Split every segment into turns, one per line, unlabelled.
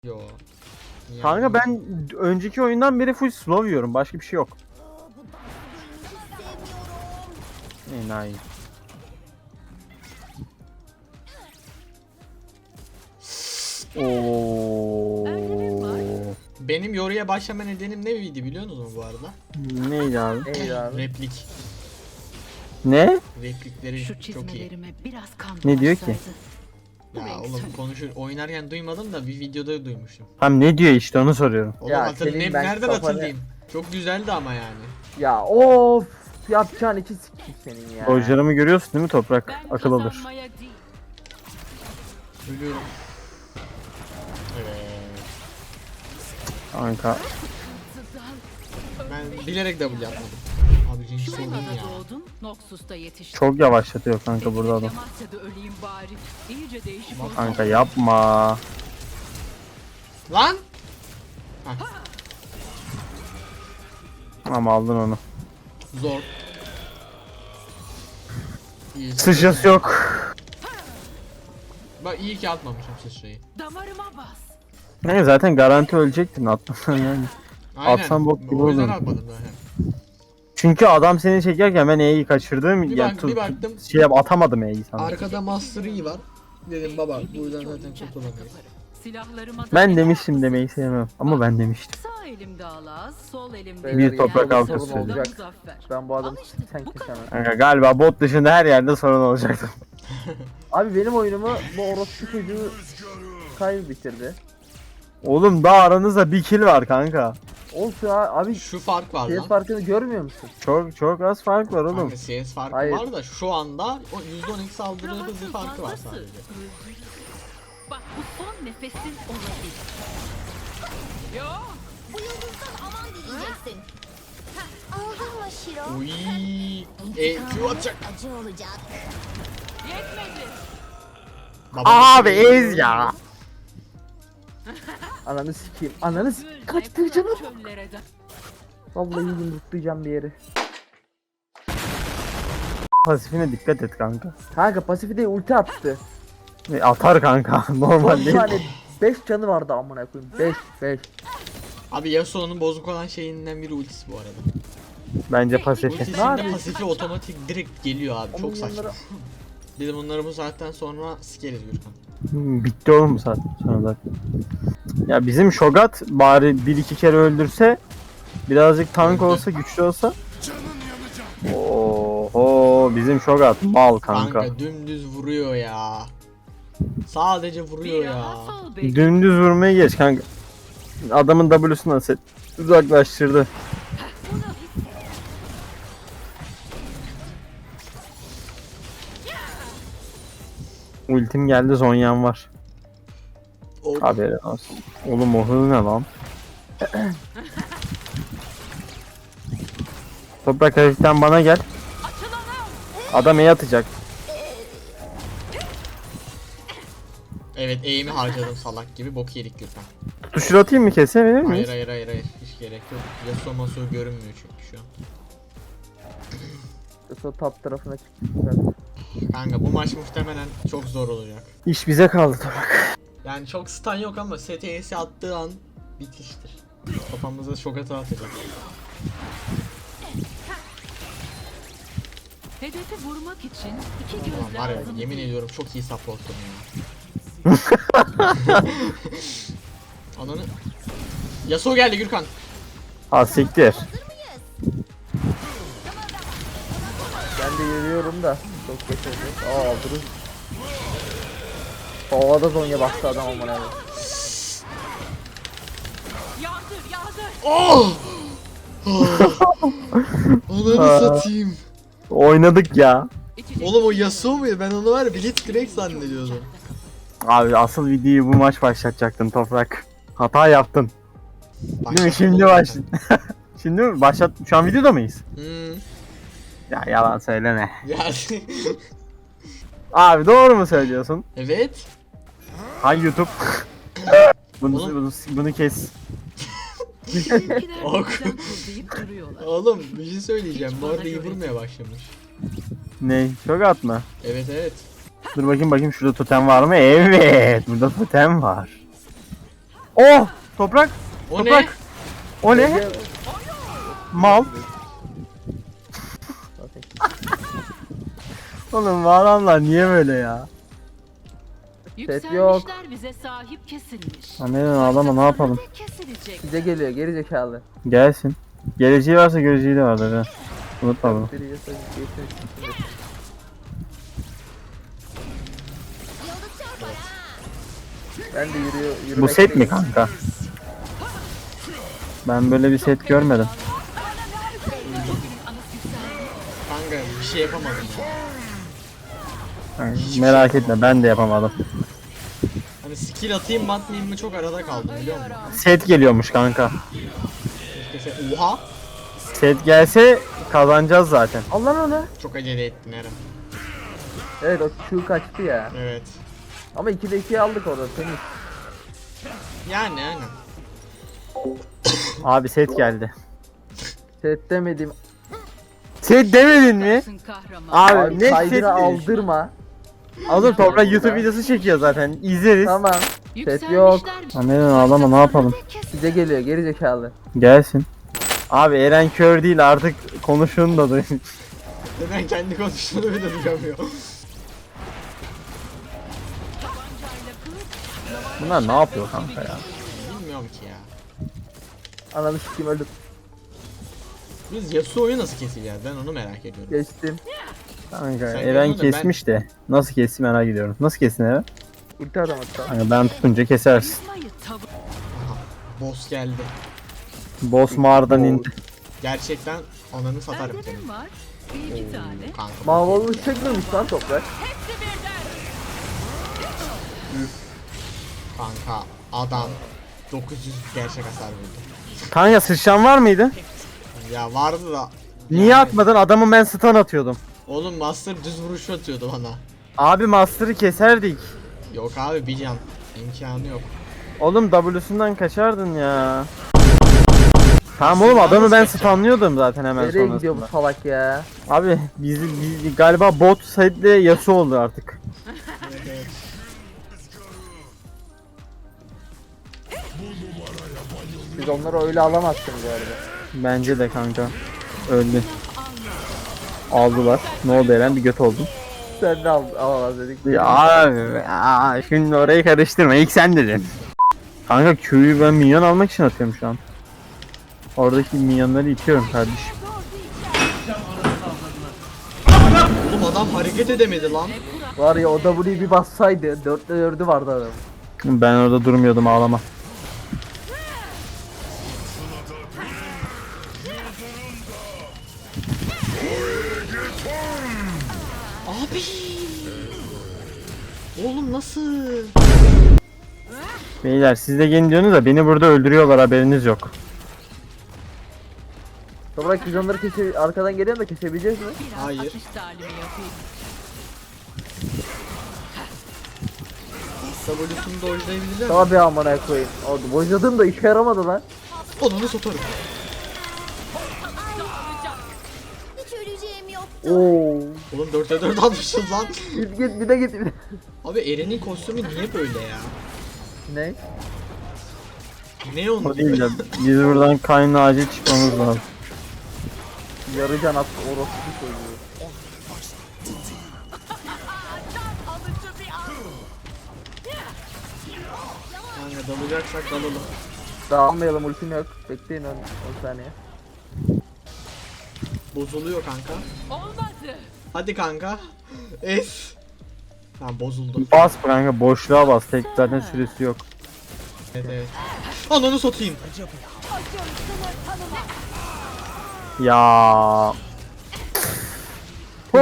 Yo. Niye
Kanka
aldın?
ben önceki oyundan beri full slow yiyorum. Başka bir şey yok. Enayi. Oo.
Benim yoruya başlama nedenim ne miydi biliyor musunuz bu arada?
Neydi abi?
Neydi abi?
Replik.
Ne?
Replikleri
Şu
çok iyi.
çizmelerime biraz kan
Ne diyor ki?
bulaşsaydı.
Ya oğlum konuşur oynarken duymadım da bir videoda duymuştum.
Tam ne diyor işte onu soruyorum.
Oğlum
Ya senin ben
nereden
kafanı-
hatırlayayım? Çok güzeldi ama yani.
Ya of yapacağın iki sikik senin ya.
Oyuncularımı görüyorsun değil mi Toprak?
Ben
Akıl alır.
kazanmaya değil,
Ölüyorum. Evet.
Kanka.
Ben bilerek double yapmadım. Abi hiç sorun
Şurada
ya.
doğdum, Noxus'ta yetiştim.
Çok yavaşlatıyor kanka burada adam.
Amasya'da öleyim bari. İyice değişik oldu.
Kanka yapma.
Lan!
Ama aldın onu.
Zor. İyi.
Sıçrası yok.
Bak iyi ki atmamışım sıçrayı.
Damarıma bas.
Ne zaten garanti ölecektin atmasan yani.
Aynen.
Atsan bok gibi
O yüzden
olur.
atmadım zaten.
Çünkü adam seni çekerken ben E'yi kaçırdım.
Bir
Yani
bak- bir baktım.
atamadım E'yi sana.
Arkada Master Yi var. Dedim baba bu yüzden zaten kurtulamayız.
Silahlarıma da
Ben demiştim demeyi sevmem. Ama ben demiştim.
Sağ elimde Alaz, sol elimde
Beyler,
Bir toprak
yani
altı
sorun
söyleyecek.
olacak.
Muzaffer.
Ben bu adamı
Al işte
sen
bu
kesemem.
Kanka galiba bot dışında her yerde sorun olacaktı.
Abi benim oyunumu bu orospu çocuğu Kyle bitirdi.
Oğlum daha aranızda bir kill var kanka.
Olsun abi
Şu fark var
CS
lan.
farkını görmüyor musun?
Çok az fark var oğlum.
Kanka CS farkı
Hayır.
var da şu anda o %12 saldırı hızı
Rahatsız
farkı var
fazlası.
sadece.
Bak bu son nefesin olabilir. Yo,
Bu yıldızdan aman diyeceksin. Aldın mı Şiro?
Uy, Q atacak.
Acı olacak.
yetmedi.
Baba,
Abi ez ya.
Ananı sikeyim. Ananı sikeyim.
Gül
Kaçtı
ne
canım.
çöllere de.
Vallahi yumruklayacağım bir yeri.
Pasifine dikkat et kanka.
Kanka pasifi de ulti attı.
Atar kanka. Normal
Son
değil.
tane 5 canı vardı amına koyayım. 5.
Abi Yasuo'nun bozuk olan şeyinden biri ultisi bu arada.
Bence pasifi.
Ultisinde
Abi.
pasifi otomatik direkt geliyor abi. Çok
Onun
saçma.
yanları-
Biz bunları bu saatten sonra sikeriz Gürkan.
Bitti oğlum bu saat sonra zaten. Ya bizim Shogat bari bir iki kere öldürse birazcık tank
Öldü.
olsa güçlü olsa. Oho bizim Shogat mal kanka.
Kanka dümdüz vuruyor ya. Sadece vuruyor
Bir
ya.
rahat ol be.
Dümdüz vurmayı geç kanka. Adamın W'sunu set uzaklaştırdı. Ultim geldi Zonya'm var.
O,
Haberin olsun. Oğlum o hız ne lan? Toprak hafiften bana gel. Adam E atacak.
evet eğimi harcadım salak gibi bok yedik Gürkan.
Tutuşur atayım mı kesebilir
Hayır
miyiz?
hayır hayır hayır hiç gerek yok. Yasuo Masuo görünmüyor çünkü şu an.
Sonra top tarafına çıktı.
Kanka bu maç muhtemelen çok zor olacak.
İş bize kaldı Toprak.
Yani çok stun yok ama STS'i attığı an bitiştir. Kafamıza şok hata atacak.
Hedefi vurmak için iki
Ulan
göz
var ya
lazım.
yemin ediyorum çok iyi supportum ya. Ananı... Yasuo geldi Gürkan.
Ha siktir.
Ben de yürüyorum da. Çok geç oldu. Aa durun. Havada Zonya bastı adam amına koyayım.
Yağdır yağdır.
Oh! Ananı satayım.
Oynadık ya.
İçecek
Oğlum o Yasuo muydu? Ben onu var ya Blitzcrank zannediyordum.
Abi asıl videoyu bu maç başlatacaktın Toprak. Hata yaptın. Değil mi? Şimdi baş. Şimdi mi? Başlat. Şu an videoda mıyız?
Hmm.
Ya yalan söyleme.
Yani.
Abi doğru mu söylüyorsun?
Evet.
Hay YouTube. bunu,
Oğlum.
bunu kes.
Bizimkiler
Ok.
bizden kuzeyip duruyorlar.
Oğlum bir şey söyleyeceğim. Bu arada iyi vurmaya başlamış.
Ne? Çok atma.
Evet evet.
Dur bakayım şurada totem var mı? Evet. Burada totem var. Oh! Toprak!
O
Toprak!
ne?
O ne? Mal. Oğlum bu adamlar niye böyle ya?
Yükselmişler bize sahip kesilmiş.
Annen ağlama ne yapalım?
Kesilecek.
Bize geliyor geri zekalı.
Gelsin. Geleceği varsa göreceği de vardır ha. Unutma bunu.
Biri yasa geçsin.
Yıldız çarpar ha.
Ben de
Bu set mi kanka? Ben böyle bir set görmedim.
Kanka bir şey yapamadım ya.
Yani merak etme ben de yapamadım.
Hani skill atayım mı atmayayım mı çok arada kaldım biliyor musun?
Set geliyormuş kanka.
Oha!
Set gelse kazanacağız zaten.
Al lan onu.
Çok acele ettin Eren.
Evet o Q kaçtı ya.
Evet.
Ama 2'de 2'yi aldık orada temiz.
Yani aynen.
Abi set geldi.
Set demedim.
Set demedin mi?
Adamsın kahraman.
Abi
Abi
ne set
kaydıra aldırma.
Alır Toprak YouTube videosu çekiyor zaten. İzleriz.
Tamam.
Yükselmişler
yok.
Annen ağlama ne yapalım?
Bize geliyor geri zekalı.
Gelsin. Abi Eren kör değil artık konuşun da duyun.
Neden kendi konuştuğunu bile duyamıyor.
Bunlar ne yapıyor kanka ya?
Bilmiyorum ki ya.
Ananı sikeyim öldüm.
Biz Yasuo'yu nasıl keseceğiz ben onu merak ediyorum.
Geçtim.
Kanka
Sen
Eren
gördün de
kesmiş de. Nasıl kesti merak ediyorum. Nasıl kestin Eren?
Ulti adam hatta.
Kanka ben tutunca kesersin.
Kızmayı tavır.
Aha. Boss geldi.
Boss mağaradan indi.
Gerçekten ananı satarım
Bende
senin.
ne var? Bir iki tane.
Kanka.
Mavalı çekmemiş lan toprak.
Kanka adam 900 gerçek hasar vurdu.
Kanka sıçran var mıydı?
Ya vardı da.
Niye
yani-
atmadın? Adamı ben stun atıyordum.
Oğlum Master düz vuruş atıyordu bana.
Abi Master'ı keserdik.
Yok abi bir can. İmkanı yok.
Oğlum W'sundan kaçardın ya. Tamam oğlum adamı ben stunlıyordum zaten hemen
Nereye gidiyor bu
sonrasında.
salak ya?
Abi biz galiba bot side'le Yasuo oldu artık.
Siz onları öyle alamazsınız bu arada.
Bence de kanka. Öldü. Aldılar. Ne oldu Eren? Bir göt oldun.
Sen de alamaz dedik.
Ya abi ya, şimdi orayı karıştırma. İlk sen dedin. Kanka Q'yu ben minyon almak için atıyorum şu an. Oradaki minyonları itiyorum kardeşim.
Oğlum adam hareket edemedi lan.
Var ya o W'yi bir bassaydı 4'te 4'ü vardı adam.
Ben orada durmuyordum ağlama.
Abi. Oğlum nasıl?
Beyler siz de gelin diyorsunuz da beni burada öldürüyorlar haberiniz yok.
Toprak biz onları arkadan geliyor da kesebileceğiz mi?
Biraz
Hayır.
atış talimi yapayım.
W'sunu dojlayabilirler mi?
Tabi amına koyayım. Oldu. Boyladığım da işe yaramadı lan.
Onunu satarım.
Hiç öleceğim yoktu.
Oo.
Oğlum 4'e 4 almışız lan.
Git bir de git bir de.
Abi Eren'in kostümü niye böyle ya?
Ne?
Ne onu
O değil de biz buradan kaynağı acil çıkmamız lazım.
Yarı can attı orospu çocuğu.
Kanka dalacaksak dalalım.
Dağılmayalım ultim yok. Bekleyin 10 saniye.
Bozuluyor kanka.
Olmadı.
Hadi kanka. Es. Tamam bozuldu.
Bas kanka boşluğa bas. Tek zaten süresi yok.
Evet evet. Ananı satayım.
Ya. Oh.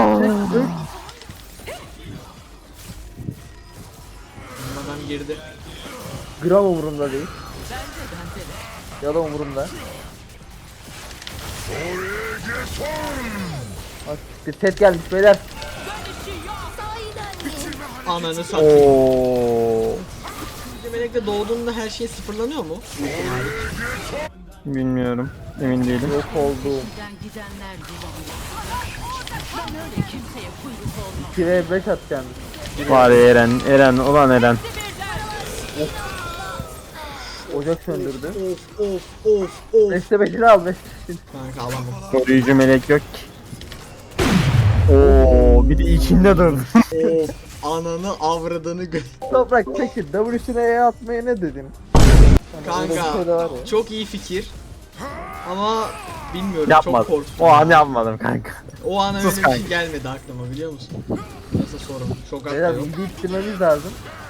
Adam girdi.
Gram umurumda değil. Ya da umurumda. Bak bir set gelmiş beyler.
Sahiden mi?
Ananı satayım.
Oo.
Melek'te doğduğunda her şey sıfırlanıyor mu?
Bilmiyorum. Emin değilim.
Yok oldum.
Giden gidenler bulundu. Ben öyle kimseye kuyruk olmam.
2v5 atacağım.
Var ya Eren. Eren ulan Eren.
Ocak söndürdü.
Of.
Beste beşini al beste.
Kanka alamam.
Koruyucu melek yok ki. Oo, bir de içinde dur.
Of ananı avradını
Toprak peki W'sine E atmaya ne dedin? Hani öyle bir şey de var
Kanka
ya.
çok iyi fikir. Ama bilmiyorum
Yapmadım.
çok korktum.
O an yapmadım kanka.
O an öyle
Sus
bir
kanka.
şey gelmedi aklıma biliyor musun? Nasıl sorun? Çok
Beyler
aklı yok.
bilgi ittirmemiz lazım.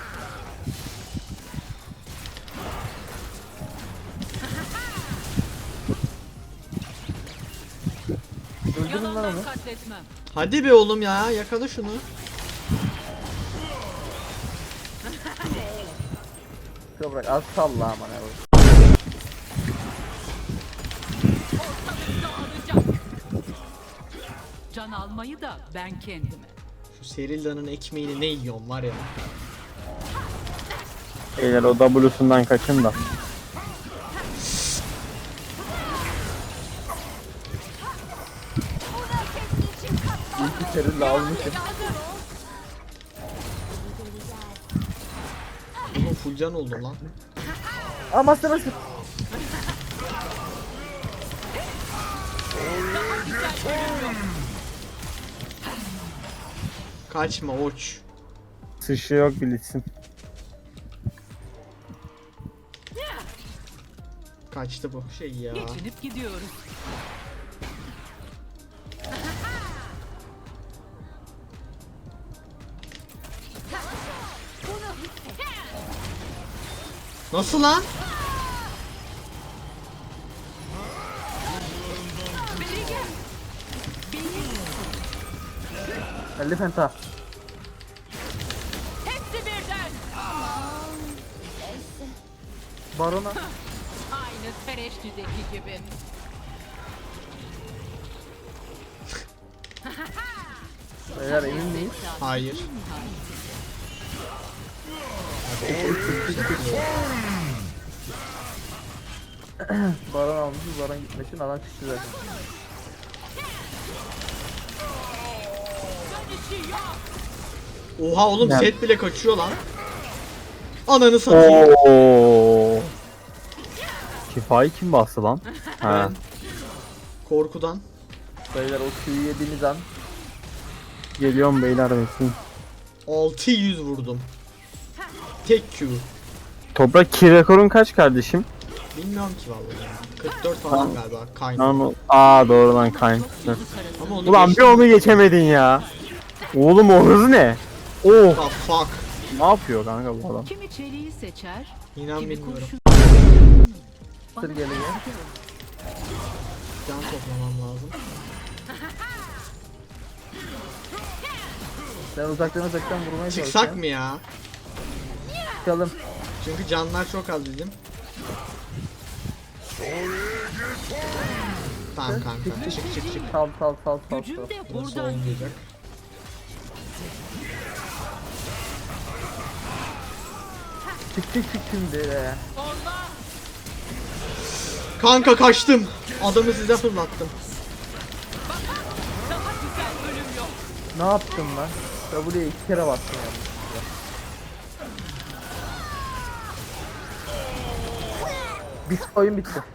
Öldürün lan onu.
Yalandan katletmem.
Hadi be oğlum ya yakala şunu.
Toprak az salla aman abi.
Dağılacak. Can almayı da ben kendime.
Şu Serilda'nın ekmeğini ne yiyorum var ya.
Beyler o W'sundan kaçın da.
İlk içeri almışım.
Oğlum full can oldum lan.
Aa master master.
Kaçma oç.
Sışı yok bilirsin.
Kaçtı bu şey ya.
Geçinip gidiyoruz.
Nasıl lan?
Elli penta.
Hepsi birden.
Barona.
Aynı Tereştü'deki gibi.
Beyler emin miyiz?
Hayır.
Baron almışız. Baron gitmesin. Adam çıktı zaten.
Oha oğlum
Ya.
set bile kaçıyor lan. Ananı satayım.
Oo. Şifayı kim bastı lan? Ha.
Ben korkudan.
Beyler o Q'yu yediğiniz an.
Geliyorum beyler bekleyin.
600 vurdum. Tek Q.
Toprak ki rekorun kaç kardeşim?
Bilmiyorum ki vallahi. 44 falan galiba. Kayn.
Lan doğru lan kayn.
Ama onu
Ulan bir
geçtim.
onu geçemedin ya. Oğlum o hız ne? Oh.
Ah fuck.
Ne yapıyor kanka bu adam?
Kimi çeliği seçer,
İnan
kimi
bilmiyorum.
kurşun.
Sır geliyor.
Can toplamam lazım.
Ben uzaktan vurmaya
Çıksak
çalışıyorum.
mı ya?
Çıkalım.
Çünkü canlar çok az bizim. Tamam kanka. Çık.
Sal.
Gücüm de
Burası
buradan.
olmayacak.
Çık şimdi.
Kanka kaçtım. Adamı size fırlattım.
Ne yaptın lan? W'ye 2 kere bastım yani. Bitti oyun bitti.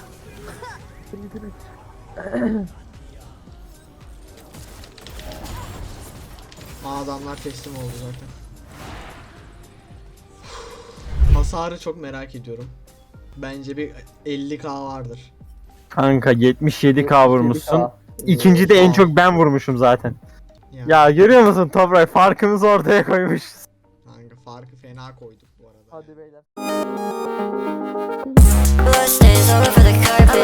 Adamlar teslim oldu zaten. Hasarı çok merak ediyorum. Bence bir 50k vardır.
Kanka 77k vurmuşsun.
7K.
İkinci de en çok ben vurmuşum zaten.
Ya,
Ya görüyor musun Toprak farkımızı ortaya koymuşuz.
kanka farkı fena koyduk bu arada.
Hadi beyler.
Blood stains all over the carpet.